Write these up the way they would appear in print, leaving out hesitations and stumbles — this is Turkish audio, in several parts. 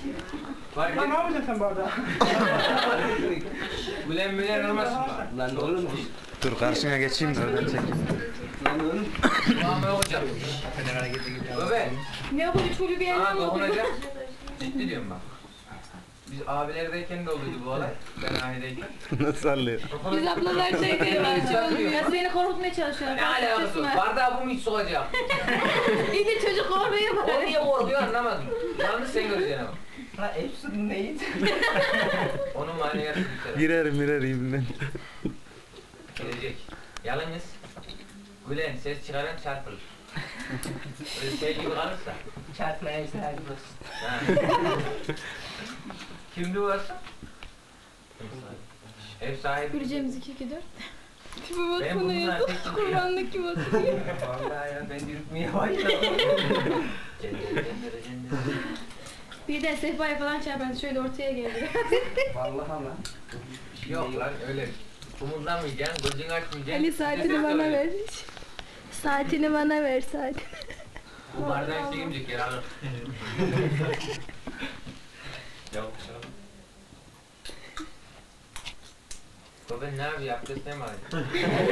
Lan ne yapacaksın sen bu arada? Mülen olmasın mı? Lan oğlum Dur karşına geçeyim de oradan çekeyim. lan oğlum. Muamele hocam. Bebe. Ne yapalım çocuğu bir yerden Aa mi oldu? dokunacak. Ciddi diyorum bak. Biz abilerdeyken de oluyordu bu olay. Ben aileyken. Nasıl sallıyor? Biz ablalardayken ya seni korkutmaya çalışıyorlar. Ne alakası var? Bardağı bu mu hiç sokacak? İyi de çocuk korkuyor O bari. niye korkuyor anlamadım. Yalnız sen göreceksin ama. Ha Efsun neydi? Onun maneviyatı bir Girer ibinden. gelecek. Yalnız gülen ses çıkaran çarpılır. Öyle şey gibi kalırsa. Çarpmaya sahibi olsun. Ha. Kimdi bu varsa? Ev sahibi. Göreceğimiz 2-2-4. Tipe Ben baksana bundan ya. tek Kurbanlık gibi oturuyor. Vallahi ya ben yürütmeye başladım. Bir de sehpaya falan çarpardı şöyle ortaya geldi. Vallahi lan. Yok lan öyle. Umurlamayacaksın, gözünü açmayacaksın. Ali saatini bana ver. Saatini bana ver saatini. Bu bardağı işte yemeyecek yer alır. Yok canım. Baba ne abi yaptı sen mi abi?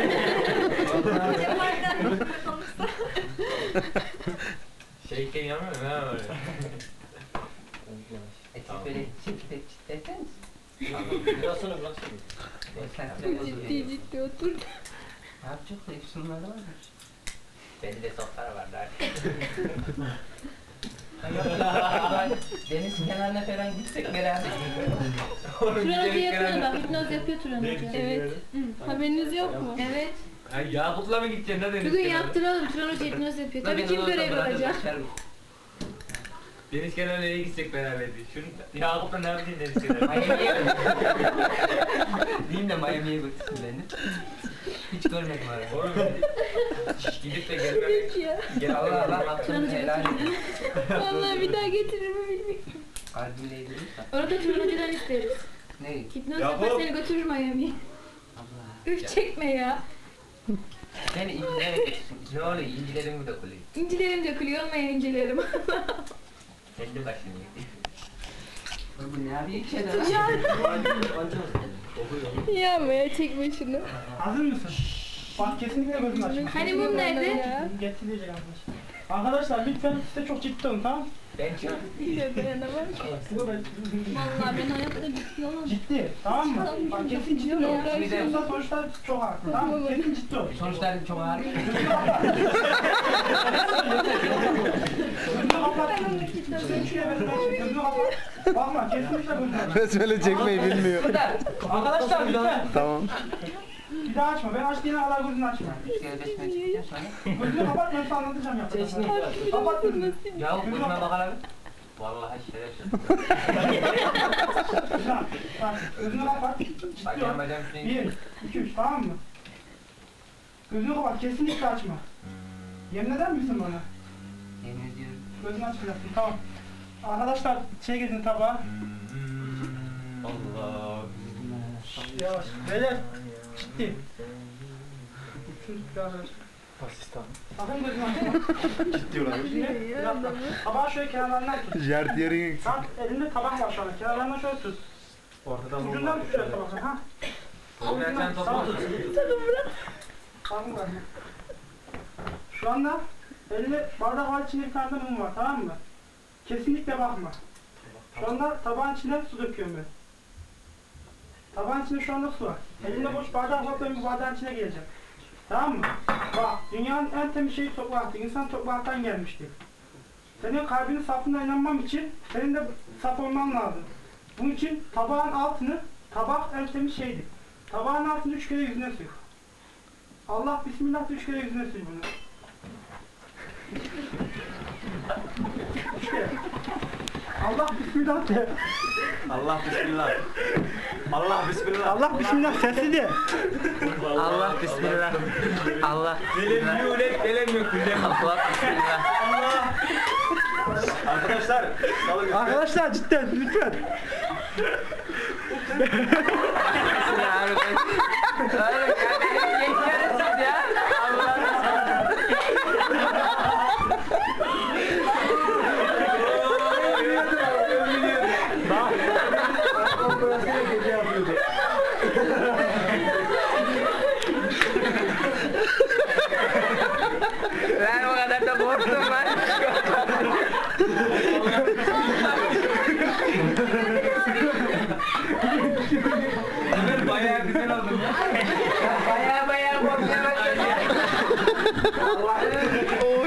Şeyken yanmıyor mu ha böyle? Etik böyle çift deseniz. Biraz sonra bırak Ciddi otur. Ne yapacak da Efsun'larda var mı? Bende de soflara var daha. Deniz kenarına falan gitsek beraber. Turan Hoca yapıyor bak hipnoz yapıyor Turan Hoca. Evet. Haberiniz yok mu? Evet. Ay Yakup'la mı gideceksin ne deniz Bugün kenarı? yaptıralım Turan Hoca hipnoz yapıyor. Tabii kim görevi olacak? Deniz kenarına nereye gitsek beraber diye. Şunu Yakup'la ne yapacaksın deniz kenarına? Miami'ye diyeyim de Miami'ye götürsün beni. Hiç görmedim ara. Oğlum gidip de gelmemek. Ya. Gel Allah Allah Allah Allah. hakkını helal et. Vallahi bir daha getirir mi bilmiyorum. Kalbimle yedirirsen. Orada Turan Hoca'dan isteriz. Ne? Hipnoz yapar seni götürür Miami'ye. Allah. Üf çekme ya. Beni incilere götürsün. Ne oluyor? İncilerim mi dökülüyor? İncilerim dökülüyor olmayan incilerim. Kendi başına gidiyor. Bu ne yapıyor ki ya? Yapma çekme şunu. Hazır mısın? Bak kesinlikle gözünü açma. Hani mum nerede? Getirecek arkadaşlar. Arkadaşlar lütfen size çok ciddi olun tamam? Ben çok İyice dayanamam. Bu da Vallahi ben hayatta ciddi olamam. ciddi tamam mı? Bak kesin ciddi ol. Ya, Yoksa sonuçlar çok ağır tamam mı? Kesin ciddi ol. Sonuçlar çok ağır. Gözünü kapat. Sen şuraya gözünü kapat. Bakma kesinlikle gözünü aç. Besmele çekmeyi bilmiyor. Arkadaşlar lütfen. Tamam. Bir daha açma. Ben açtığına kadar gözünü açma. Gelbeşme çıkacağız sonra. Gözünü kapat ben sana anlatacağım yapacağım. Kapat gözünü. Yakup gözüme bakalım. Vallahi şerefsiz. Güzel. Bak gözünü kapat. Bacağım bacağım şuna 1, 2, 3 tamam mı? Gözünü kapat kesinlikle açma. Yemin eder misin bana? Yemin ediyorum. Gözünü açmayacaksın tamam. Arkadaşlar şey getirin tabağa. Allah. Yavaş. Beyler ciddi. Şunu biraz aç. Asistan. Sakın gözünü açma. Ciddi ulan. Şimdi bir dakika. Tabağı şöyle kenarlarından tut. Jart yerin. Bak elinde tabak var şu anda. Kenarlarından şöyle tut. Ortadan Ucundan tut şöyle tabakları ha. Oğlum sen topu Tamam. tut. Bakın bakın. Şu anda elinde bardak var içinde bir tane de mum var tamam mı? Kesinlikle bakma. Şu anda tabağın içine su döküyorum ben. Tabağın içinde şu anda su var. Elimde boş bardak var ben bu bardağın içine geleceğim. Tamam mı? Bak dünyanın en temiz şeyi topraktı. İnsan topraktan gelmişti. Senin kalbinin saflığına inanmam için senin de saf olman lazım. Bunun için tabağın altını, tabak en temiz şeydi. Tabağın altını 3 kere yüzüne sür. Allah bismillah de 3 kere yüzüne sür bunu. 3 kere. Allah bismillah de. Allah bismillah. Allah bismillah. Allah bismillah sesli de. Allah bismillah. Allah Delem yulet delem yok. Allah bismillah. Arkadaşlar. Salı Arkadaşlar cidden lütfen. Ya öyle geçiyorsunuz ya. sene gece yapıyordu. Lan o kadar da korktum lan. Ömer bayağı güzel oldun ya. Baya korkmaya başladım.